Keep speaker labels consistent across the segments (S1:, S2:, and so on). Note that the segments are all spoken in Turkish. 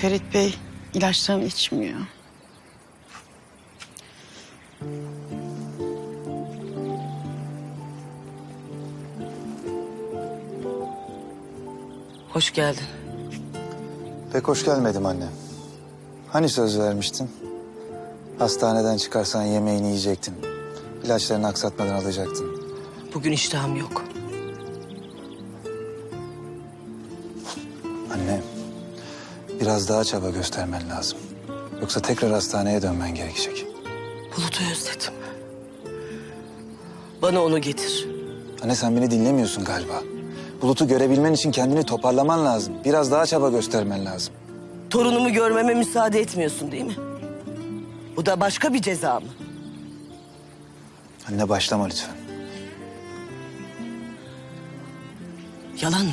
S1: Ferit Bey ilaçlarını içmiyor.
S2: Hoş geldin.
S3: Pek hoş gelmedim anne. Hani söz vermiştin? Hastaneden çıkarsan yemeğini yiyecektin. İlaçlarını aksatmadan alacaktın.
S2: Bugün iştahım yok.
S3: Anne, biraz daha çaba göstermen lazım. Yoksa tekrar hastaneye dönmen gerekecek.
S2: Bulut'u özledim. Bana onu getir.
S3: Anne sen beni dinlemiyorsun galiba. Bulut'u görebilmen için kendini toparlaman lazım. Biraz daha çaba göstermen lazım.
S2: Torunumu görmeme müsaade etmiyorsun değil mi? Bu da başka bir ceza mı?
S3: Anne başlama lütfen.
S2: Yalan mı?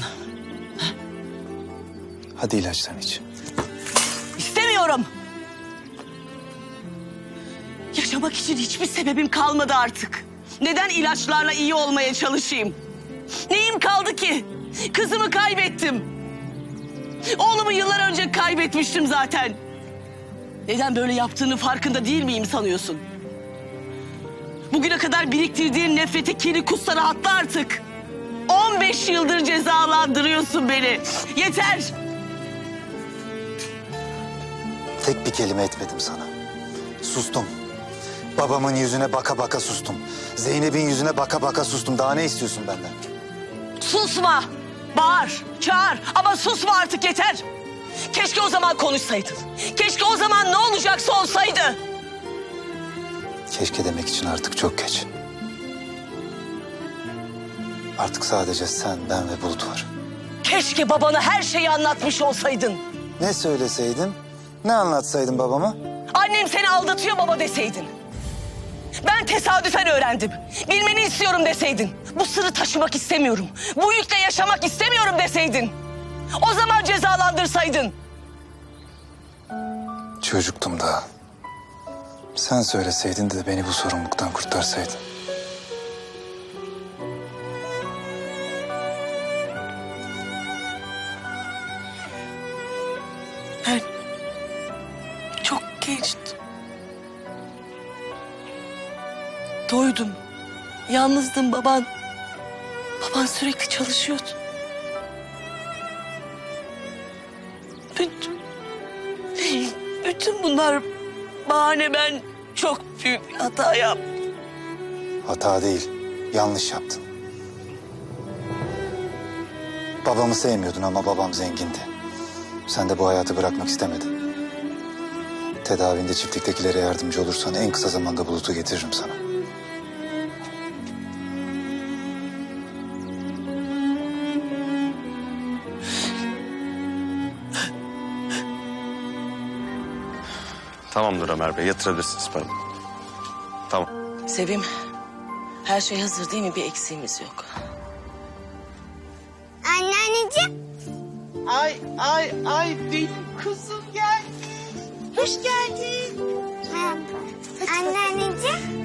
S3: Hadi ilaçlarını iç.
S2: İstemiyorum. Yaşamak için hiçbir sebebim kalmadı artık. Neden ilaçlarla iyi olmaya çalışayım? Neyim kaldı ki? Kızımı kaybettim. Oğlumu yıllar önce kaybetmiştim zaten. Neden böyle yaptığının farkında değil miyim sanıyorsun? Bugüne kadar biriktirdiğin nefreti kiri kussa rahatla artık. 15 yıldır cezalandırıyorsun beni. Yeter.
S3: Tek bir kelime etmedim sana. Sustum. Babamın yüzüne baka baka sustum. Zeynep'in yüzüne baka baka sustum. Daha ne istiyorsun benden?
S2: Susma. Bağır, çağır ama susma artık yeter. Keşke o zaman konuşsaydın. Keşke o zaman ne olacaksa olsaydı.
S3: Keşke demek için artık çok geç. Artık sadece sen, ben ve Bulut var.
S2: Keşke babana her şeyi anlatmış olsaydın.
S3: Ne söyleseydin, ne anlatsaydın babama?
S2: Annem seni aldatıyor baba deseydin. Ben tesadüfen öğrendim. Bilmeni istiyorum deseydin. Bu sırrı taşımak istemiyorum. Bu yükle yaşamak istemiyorum deseydin. O zaman cezalandırsaydın.
S3: Çocuktum daha. Sen söyleseydin de beni bu sorumluluktan kurtarsaydın.
S2: Ben çok gençtim. Doydum. Yalnızdım baban. Baban sürekli çalışıyordu. Bütün bunlar bahane, ben çok büyük bir hata yaptım.
S3: Hata değil, yanlış yaptın. Babamı sevmiyordun ama babam zengindi. Sen de bu hayatı bırakmak istemedin. Tedavinde çiftliktekilere yardımcı olursan en kısa zamanda Bulut'u getiririm sana.
S4: Tamamdır Ömer Bey, yatırabilirsiniz pardon. Tamam.
S2: Sevim, her şey hazır değil mi? Bir eksiğimiz yok.
S5: Anneanneciğim.
S6: Ay benim kızım gel. Hoş geldin.
S5: Merhaba. Anneanneciğim.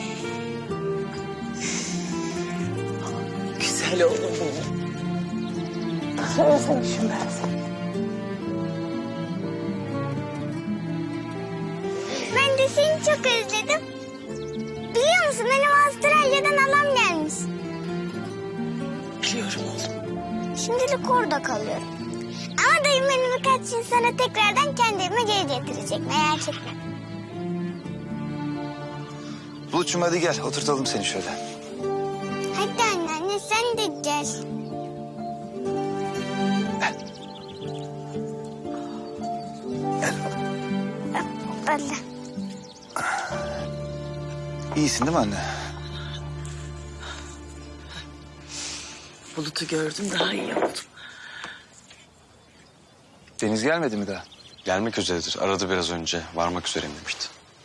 S2: Güzel oğlum benim. Özlemişim ben seni.
S5: Ben de seni çok özledim. Biliyor musun benim Avustralya'dan halam gelmiş.
S2: Biliyorum oğlum.
S5: Şimdilik orada kalıyorum. Ama dayım beni birkaç gün sonra tekrardan kendi evime geri getirecek. Merak etme.
S3: Bulut'cum hadi gel, oturtalım seni şöyle.
S5: Hadi anneanne sen de gel. Hoppala.
S3: İyisin değil mi anne?
S2: Bulut'u gördüm, daha iyi oldum.
S3: Deniz gelmedi mi daha?
S4: Gelmek üzeredir. Aradı biraz önce. Varmak üzereyim demişti.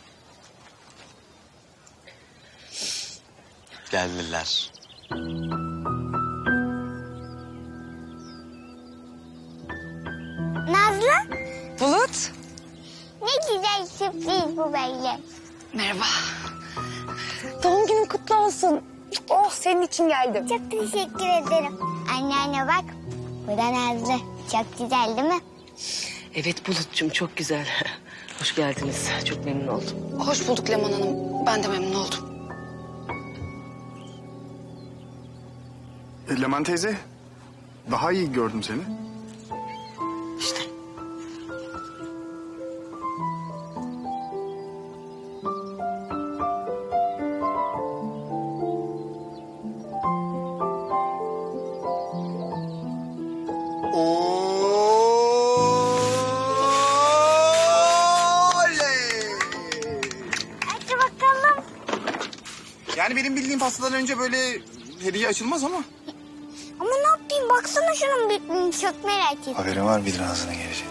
S4: Geldiler.
S5: Nazlı.
S7: Bulut.
S5: Ne güzel sürpriz bu böyle.
S7: Merhaba. Doğum günün kutlu olsun. Oh senin için geldim.
S5: Çok teşekkür ederim. Anneanne bak. Bu da Nazlı. Çok güzel değil mi?
S2: Evet Bulut'cum çok güzel. Hoş geldiniz. Çok memnun oldum.
S7: Hoş bulduk Leman Hanım. Ben de memnun oldum.
S8: Leman teyze, daha iyi gördüm seni.
S2: İşte.
S5: Hadi bakalım.
S8: Yani benim bildiğim pastadan önce böyle hediye açılmaz ama.
S5: Ama ne yapayım? Baksana şunun büyüklüğünü. Çok merak ettim.
S3: Haberin var mıydın ağzına gelecek?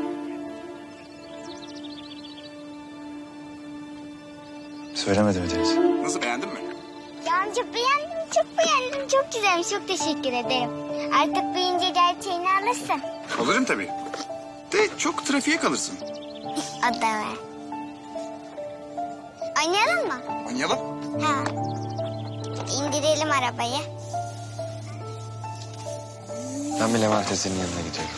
S3: Söylemedi mi Deniz?
S8: Nasıl, beğendin mi?
S5: Yani çok beğendim, çok beğendim. Çok güzelmiş, çok teşekkür ederim. Artık büyüyünce gerçeğini alırsın.
S8: Alırım tabii. De çok trafiğe kalırsın.
S5: O da var. Oynayalım mı?
S8: Oynayalım.
S5: Ha. İndirelim arabayı.
S4: Ben bir Leman teyzenin yanına gidiyorum.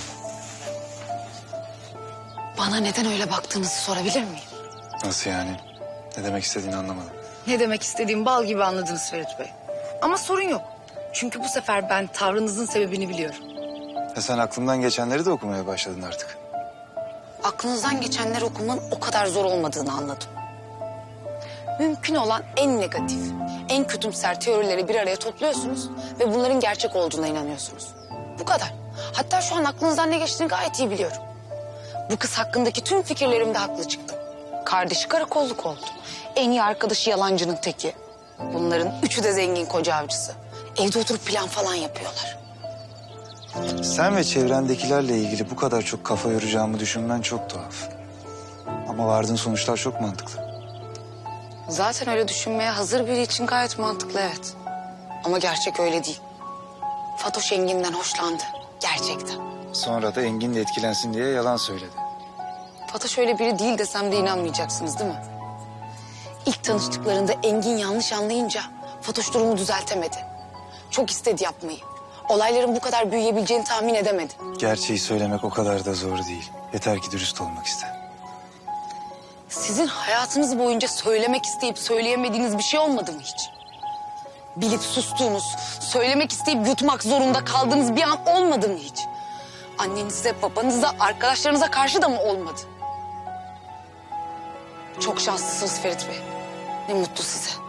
S7: Bana neden öyle baktığınızı sorabilir miyim?
S3: Nasıl yani? Ne demek istediğini anlamadım.
S9: Ne demek istediğim bal gibi anladınız Ferit Bey. Ama sorun yok. Çünkü bu sefer ben tavrınızın sebebini biliyorum.
S3: Ya sen aklımdan geçenleri de okumaya başladın artık.
S7: Aklınızdan geçenleri okumanın o kadar zor olmadığını anladım. Mümkün olan en negatif, en kötümser teorileri bir araya topluyorsunuz ve bunların gerçek olduğuna inanıyorsunuz. Bu kadar. Hatta şu an aklınızdan ne geçtiğini gayet iyi biliyorum. Bu kız hakkındaki tüm fikirlerimde haklı çıktım. Kardeşi karakolluk oldu. En iyi arkadaşı yalancının teki. Bunların üçü de zengin koca avcısı. Evde oturup plan falan yapıyorlar.
S3: Sen ve çevrendekilerle ilgili bu kadar çok kafa yoracağımı düşünmen çok tuhaf. Ama vardığın sonuçlar çok mantıklı.
S7: Zaten öyle düşünmeye hazır biri için gayet mantıklı, evet. Ama gerçek öyle değil. Fatoş Engin'den hoşlandı. Gerçekten.
S3: Sonra da Engin de etkilensin diye yalan söyledi.
S7: Fatoş öyle biri değil desem de inanmayacaksınız değil mi? İlk tanıştıklarında Engin yanlış anlayınca Fatoş durumu düzeltemedi. Çok istedi yapmayı. Olayların bu kadar büyüyebileceğini tahmin edemedi.
S3: Gerçeği söylemek o kadar da zor değil. Yeter ki dürüst olmak iste.
S7: Sizin hayatınız boyunca söylemek isteyip söyleyemediğiniz bir şey olmadı mı hiç? Bilip sustuğunuz, söylemek isteyip yutmak zorunda kaldığınız bir an olmadı mı hiç? Annenize, babanıza, arkadaşlarınıza karşı da mı olmadı? Çok şanslısınız Ferit Bey. Ne mutlu size.